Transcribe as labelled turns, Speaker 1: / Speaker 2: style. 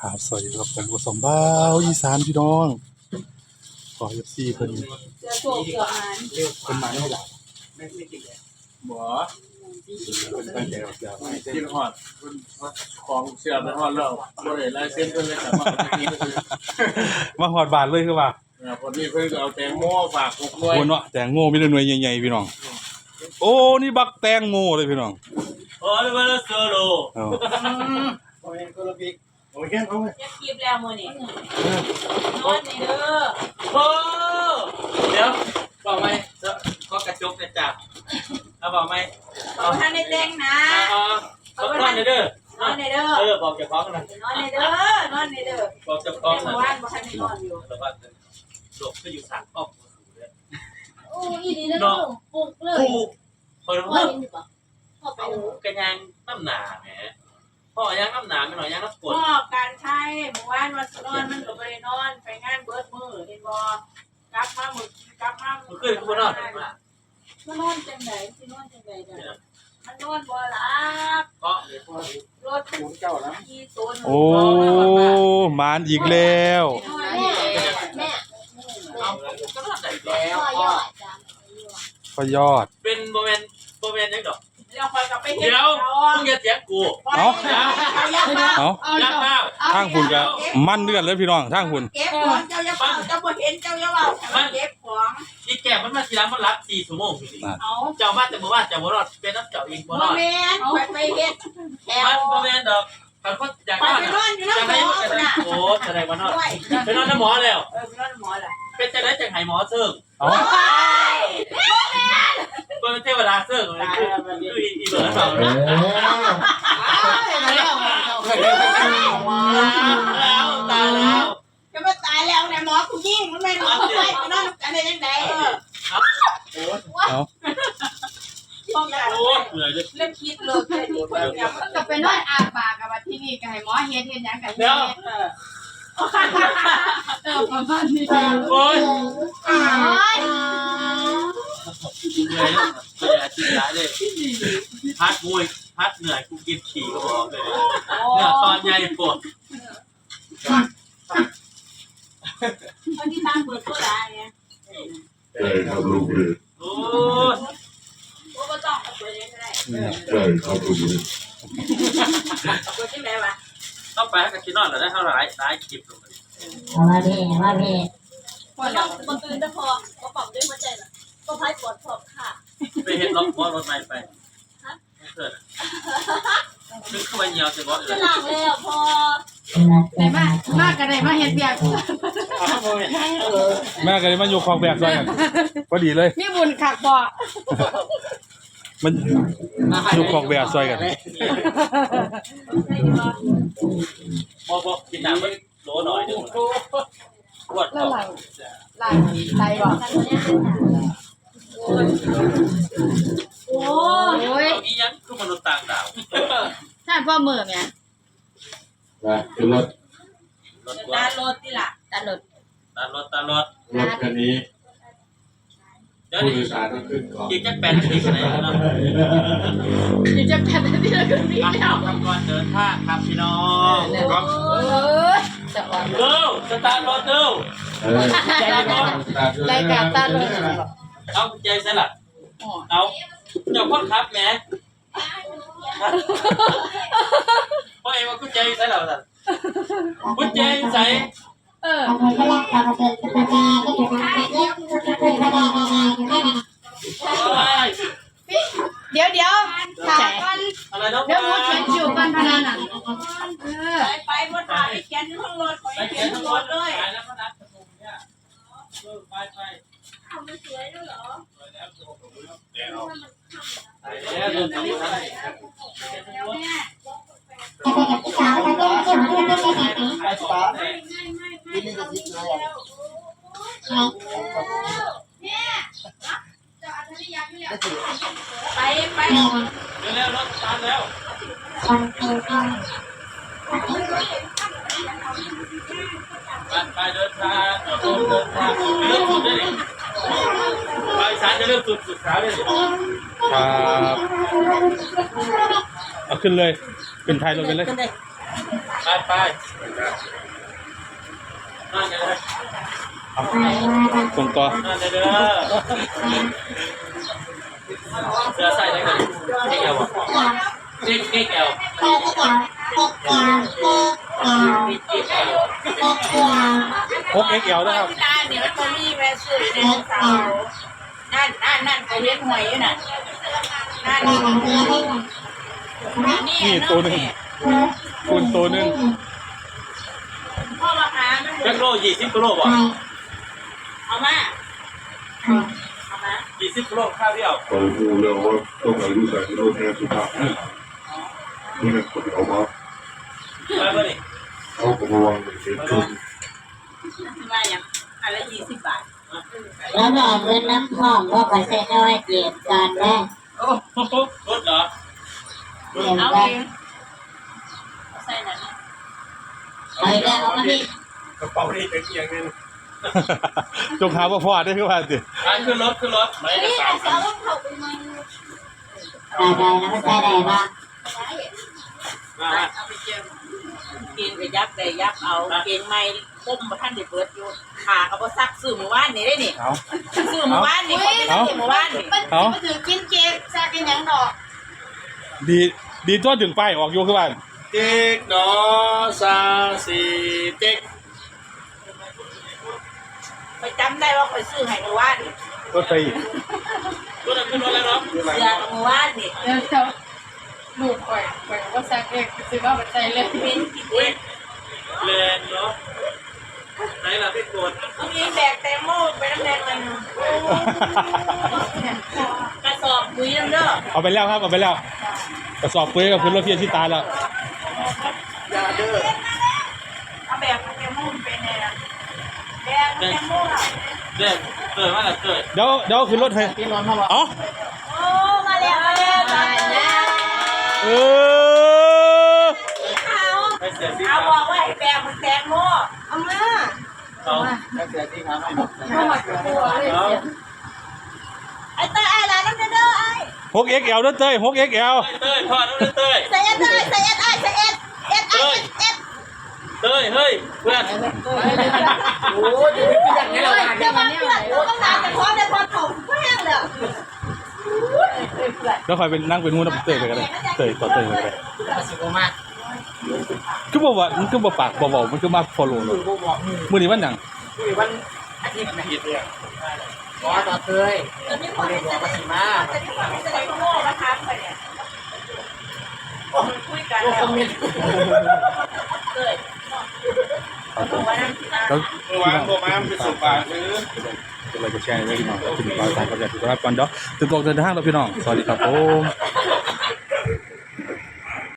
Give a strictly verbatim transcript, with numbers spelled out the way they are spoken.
Speaker 1: ครับสวัสดีครับผมกสมบ้าวอีสานพี่น้องขอเอฟซีเพิ่น
Speaker 2: เสือโศกเสือหาน
Speaker 1: เพิ่นมาได้หลาย
Speaker 3: ไม่ไม่กินเลยบ่
Speaker 1: เพิ่นตั้งใจเอาเสียมาให้เส้น
Speaker 3: กินหอดของเชื่อไปหอดแล้วบ่ได้ลายเส้นเพิ่นเลยแต่มากินก็คือ
Speaker 1: มาหอดบาทเลยคือว่า
Speaker 3: พอดีเพิ่นเอาแตงโมฝากหกหน่วย
Speaker 1: คนเนาะแตงโมมีแต่หน่วยใหญ่ๆพี่น้องโอ้นี่บักแตงโมเลยพี่น้อง
Speaker 3: โอ้ยมาโซโล
Speaker 1: เอา
Speaker 3: โอ้ยคนละบิ๊กโอ้ยแค่เอาไว้
Speaker 2: จะกีบแล้วมือนี่นอนนี่เด้อ
Speaker 3: โอ้เดี๋ยวบอกไหมก็กระจกกระจับเอาบอกไหม
Speaker 2: เอาท่านได้แจ้งนะ
Speaker 3: อ๋อเขานอนเด้อน
Speaker 2: อนในเด้อ
Speaker 3: เออบอกเจ้าของนะ
Speaker 2: นอนในเด้อนอนในเด้อ
Speaker 3: บอกเจ้าข
Speaker 2: แต่
Speaker 3: อง
Speaker 2: เมื่
Speaker 3: นะ
Speaker 2: อวานบ่ทันได้นอนอยู่
Speaker 3: แต่ว่าหลบก็อยู่สามอ้อม
Speaker 4: โอ้ยดีแล้วลูกปลุกเลย
Speaker 3: ถูกคน
Speaker 4: พ่อ
Speaker 3: ละ
Speaker 4: เห็นอยู่ปะพ่อไป
Speaker 3: เอา
Speaker 4: ดู
Speaker 3: กระยังน้ำหนาแหมพ่อยังน้ำหนาไม่หน่อยยังน้ำกรด
Speaker 2: พ่อการใช้เมื่อวานวันนอนมันก็บ่ได้นอนไปงานเบิดมื้อเห็นบ่กลับมามื้อกลับมา
Speaker 3: มันขึ้นกูนอนมา
Speaker 2: มันนอนจังได๋สินอนจังได๋จ้ะมันนอนบ่หลับ
Speaker 3: เพราะเดี๋ยวพ่อ
Speaker 2: รถถูเจ้าแล้วขี่ตน
Speaker 1: โอ้มานอีกแล้ว
Speaker 4: แม่แม่
Speaker 3: เอาก็ทำได้แล้ว
Speaker 4: พ่อยอดจ้ะ
Speaker 1: พอยอด
Speaker 3: เป็นโมเมนต์โมเมนต์ยังดอก
Speaker 2: แล้วคอยกลับไปเฮ็ด
Speaker 3: เดี๋ยวมึงอย่าเสียงกู
Speaker 1: เอ้า
Speaker 2: เอาอย่าเฝ้า
Speaker 1: เอา
Speaker 3: ยักษ์ข้าว
Speaker 1: ทางหุ่นก็มันเลือดเลยพี่น้องทางหุ่น
Speaker 2: เก็บของเจ้าอย่าเฝ้าเจ้าบ่เห็นเจ้าอย่าเฝ้ามันเก็บของ
Speaker 3: อีแก่มันมาทีหลังมันรับสี่ชั่วโมง
Speaker 2: เอา
Speaker 3: เจ้ามาแต่เมื่อวานเจ้าบ่รอดเป็นน้ำเจ้าเองบ่
Speaker 2: บ่
Speaker 3: รอด
Speaker 2: แม่นไปไปเฮ็ดแถว
Speaker 3: มันโมเมนต์ดอกแต่คนอยาก
Speaker 2: ไป
Speaker 3: นอน
Speaker 2: ไปนอนอยู่
Speaker 3: จะ
Speaker 2: น้ำหม
Speaker 3: ได้
Speaker 2: อ
Speaker 3: จะได้
Speaker 2: น่ะ
Speaker 3: โอ้จะได้มานอน
Speaker 2: ด้วย
Speaker 3: ไปนอนน้ำหมอแล้ว
Speaker 2: เออไปนอนหมอล่ะ
Speaker 3: เป็นจะได้จังไห้หมอเซิร์ง
Speaker 1: เอา
Speaker 3: เป็นเทวดาเซิร์งเลยคือคืออีเบิร์ดเปล่าแล้วตายแล้ว
Speaker 2: จะมาตายแล้วเนี่ยหมอกูยิงมันไม่นอนไปไปนอนกันได้ยังไงเออ
Speaker 1: เอา
Speaker 2: ป้องกัน
Speaker 3: โอ้เหนื่อยเลย
Speaker 2: เริ่มคิดเลยแค่นี้คนเดียว
Speaker 5: ก็ไปนอนอาปากกับว่าที่นี่ก็ให้หมอเฮ็ดเฮ็ดหยังกัน
Speaker 3: เดี๋ยว
Speaker 2: เออ
Speaker 5: เออประมาณนี้
Speaker 3: โอ้ย
Speaker 5: โอ้ย
Speaker 3: เหนื่อยเลยอาทิตย์ละเลยพัดมวยพัดเหนื่อยกูกินขี่ก็บอกเลยเนี่ยตอนใหญ่ปวด
Speaker 2: คนที่ตั้งเปิดตัวได้ไง
Speaker 6: ใช่ครับลูกเลย
Speaker 3: โอ้ย
Speaker 2: กูก็ต้องเปิดยังไง
Speaker 6: ใช่ครับลูกเลย
Speaker 2: เปิดที่ไหนวะ
Speaker 3: ต้องไปให้กับชินอนเหรอได้เท่าไหร่ได้คลิปลงไป
Speaker 4: เอามาพี่มาพี่
Speaker 2: พอเราบนตื่นจะพอก็ปรับด้วยหัวใจน่ะก็พายปวดขอบค่ะ
Speaker 3: ไปเห็นล็อกบอลรถไฟไปเกิดนึกเข้าไปเหี่ยวเสียบอลเล
Speaker 2: จะ
Speaker 3: ย
Speaker 2: หลังแล้วพอ
Speaker 5: ได้มากมากก็ได้มาเฮ็ดเวียก
Speaker 1: แม่ก็เลยมาอยู่คลองแบบซอยกันพอดีเลย
Speaker 5: มีบุญคักบ่
Speaker 1: มันอยู่คลองแบบซอยกัน
Speaker 3: บอลบอกกินน้ำมันโหลหน่อยนึงปวด
Speaker 5: แล้ว
Speaker 3: คอ
Speaker 5: หลังหลังไหลบ่
Speaker 2: โอ้
Speaker 5: โอ้ย
Speaker 3: อียังคือมนุษย์ต่างดาว
Speaker 5: ใช่พ่อมือแม่
Speaker 6: นะคือรถ
Speaker 3: รถ
Speaker 2: ตาโรดนี่ล่ะ
Speaker 5: ตลอด
Speaker 3: ตารถตารถ
Speaker 6: รถคันนี้
Speaker 3: เดี๋ยว
Speaker 6: ผู้
Speaker 3: นี้
Speaker 6: โดยสารต้องขึ้นก่อน
Speaker 3: กินจักแปดนาทีกันไหนเนาะ
Speaker 5: อยู่จะแผ่นที่ละครึ่งนี้
Speaker 3: อ่ะ
Speaker 5: แล้ว
Speaker 3: ทำก่อนเดินทางครับพี่น้อง
Speaker 5: เออจะอ่อน
Speaker 3: เร็วสตาร์ทรถเร็ว
Speaker 6: เออ
Speaker 5: รายการตลอด
Speaker 3: เอาใจใส่ละเอาเจ้าพ่อครับแม่พ่อเอ็มว่ากุญแจใส่หรอท่านกุญแจใส่
Speaker 5: เออเดี๋ยวเดี๋ยวถามก่อน
Speaker 3: อะไรน้อง
Speaker 5: เดี๋ยวหมูเขียนคิวก่อนพนันน่ะเออ
Speaker 2: ไปไปบนถ่ายเขียนทั้งรถไป
Speaker 3: ไป
Speaker 2: เขี
Speaker 3: เขี
Speaker 2: ย
Speaker 3: ย
Speaker 2: น
Speaker 3: น
Speaker 2: ทั้
Speaker 3: ทั้
Speaker 2: ง
Speaker 3: ง
Speaker 2: ร
Speaker 3: ร
Speaker 2: ถ
Speaker 3: ถ
Speaker 2: เล
Speaker 3: เลย ยแล้วพนักประตูเนี่ยไปไป
Speaker 2: ทำมันสวยด้วยเหรอ
Speaker 3: แล้วเดินทางไป
Speaker 2: แล้วแม่
Speaker 3: ไปต่อ
Speaker 2: ไม่ไม่ไม่ไม่เราไม่แล้วแม่จะอัธยาไม่แล้วไปไป
Speaker 3: เร็วรถตามแล้วไปไปเดินทางเดินทางเริ่มสุดเลยไปสารจะเริ่มสุดสุดขาเลย
Speaker 1: ครับเอาขึ้นเลยขึ้นท้ายรถไปเลย
Speaker 3: ไปไปนั่นเลย
Speaker 1: เอาส่งต่อ
Speaker 3: นั่นเลยเด้อเสือใส่ได้กันเอ็กเอลเอ็กเอ็กเอลเอ็กเอล
Speaker 1: หกเอ็กเอลนะครับ
Speaker 2: ที่ร้านนี่มันก็มีแม่ซื้อในเสานั่นนั่นนั่นก็เลี้ยงหอยอยู่น่ะนั่นนี่
Speaker 1: นี่ตัวหนึ่งคุณตัวหนึ่ง
Speaker 2: พ่อมาหามัน
Speaker 3: แจ็คโลยี่สิบกิโลบ่
Speaker 2: เอามาเอามา
Speaker 3: ยี่สิบกิโลข้าวเดียว
Speaker 6: ตอนพูดแล้วว่าต้องอายุใส่กิโลแทนสุภาพนี่นะคนเอามา
Speaker 3: ไปบ่นี่
Speaker 6: เอากระวังเสียชุน
Speaker 2: ที่ว่าอย่างอันละยี่สิบบาท
Speaker 4: แล้วก็เอาเงินน้ำหอมก็ไปใส่น้อยเก็บกันได้
Speaker 3: โอ้โหรถเหรอ
Speaker 4: เก็บ
Speaker 2: เอา
Speaker 4: กั
Speaker 2: เอน งใส่นั่น
Speaker 4: ไปแล้วเอามาที่
Speaker 3: กระเป๋านี่เป็นอย่างนึง
Speaker 1: จงหาว่าพ่อได้คือว่าสิ
Speaker 3: อันขึ้นรถขึ้นรถไม่ได้สามพัน
Speaker 4: ได้ได้แล้วมันใส่ได้บ้าง
Speaker 3: มา
Speaker 2: เอาไปเจิมกินไปยับได้ยับเอาเกงไม่ก้มมาท่านได้เปิดอยู่ขาเขาบ่ซักซื้อเมื่อวานนี่ได้นี่
Speaker 1: เอา
Speaker 2: ซื้อเมื่อวานนี่เขาไปซื้อเมื่อวานนี่
Speaker 1: เอา
Speaker 5: มาถือกินเค้กซาเป็นหยังดอก
Speaker 1: ดีดีตัวถึงป้ายออกอยู่คือว่า
Speaker 3: เจ๊กดอซาสีเจ๊ก
Speaker 2: ไปจำได้ว่าไปซื้อให้เมื่อวานนี่
Speaker 1: รถไฟ
Speaker 3: รถขึ้นรถแล้วเนาะ
Speaker 2: เสื้อเมื่อวานนี่
Speaker 5: เดี๋ยวเดี๋ยวลูกข่อยข่อยว่าซักเองซื้อว่าไปใส่เลย
Speaker 2: เป็นกิน
Speaker 3: อุ้ยแรงเนาะไหนล่ะพี่กด
Speaker 2: เอามีแบกแตงโมไปน้ำแดงเลยนะกระสอบปุ๋ยน้ำเด้อ
Speaker 1: เอาไปแล้วครับเอาไปแล้วกระสอบปุ๋ยกับพื้นรถเพียรที่ตาแล้ว
Speaker 2: อย่าเด้อเอาแบกแตงโมเป็นไงล่ะแบกแตงโมอ่ะ
Speaker 3: เด็กเกิดมาแล้วเกิด
Speaker 1: เดี๋ยวเดี๋ยวขึ้นรถให้
Speaker 5: พี่นอนเข้ามา
Speaker 1: เอ๋อ
Speaker 2: โอ้มาแล้วมาแล้วมาแล้ว
Speaker 1: เออ
Speaker 2: เอา
Speaker 3: ไปเสียสี
Speaker 2: เอา
Speaker 3: ขาว
Speaker 2: บอกว่าให้แบกมันแตงโมเอามา
Speaker 3: เอา
Speaker 5: เข้ามาตัวเลย
Speaker 3: เอา
Speaker 2: ไอ้เต้ยไอ้ร้านน้ำเด้อไอ้
Speaker 1: หกเอ็กเอลด้วยเต้ยหกเอ็กเอล
Speaker 3: เต้ยพ่อน้องเต้ย
Speaker 2: ใส่เอ็ดไอ้ใส่เอ็ดไอ้ใส่เอ็ดเอ็ดไอ้เอ็ด
Speaker 3: เต้ยเฮ้ยเพื่อน
Speaker 5: โอ้ยอย่างนี้เรา
Speaker 2: เดี๋ยวมาเพื่อนกูต้องนานแต่พร้อมแต่พร้อมเขาแห้งเลย
Speaker 1: แล้วคอยเป็นนั่งเป็นมูนับเต้ยไปกันเลยเต้ยต่อเต้ยไปกันเลย
Speaker 5: สิบโมาก
Speaker 1: คือบอกว่ามันคือบอกปากบอกบอกมันคือมาฟอลโล่เลยมือนี้วันหนัง
Speaker 5: วันอาทิตย์นะ
Speaker 3: ผิดเนี่ย
Speaker 5: ขอต่อเคย
Speaker 2: จะมีคนบอกว่าสิมาจะมีคนจะได้โง่มาทักไปเนี่ยคุยกันแล้วเกิด
Speaker 1: แล้ว
Speaker 3: เมื่อวานโทรมาเป็นสุบาทซื้อ
Speaker 1: เราจะแชร์ไว้พี่น้องถึงปลายสายกับอย่างที่รับกันเนาะถึงบอกเดินทางเราพี่น้องสวัสดีครับผม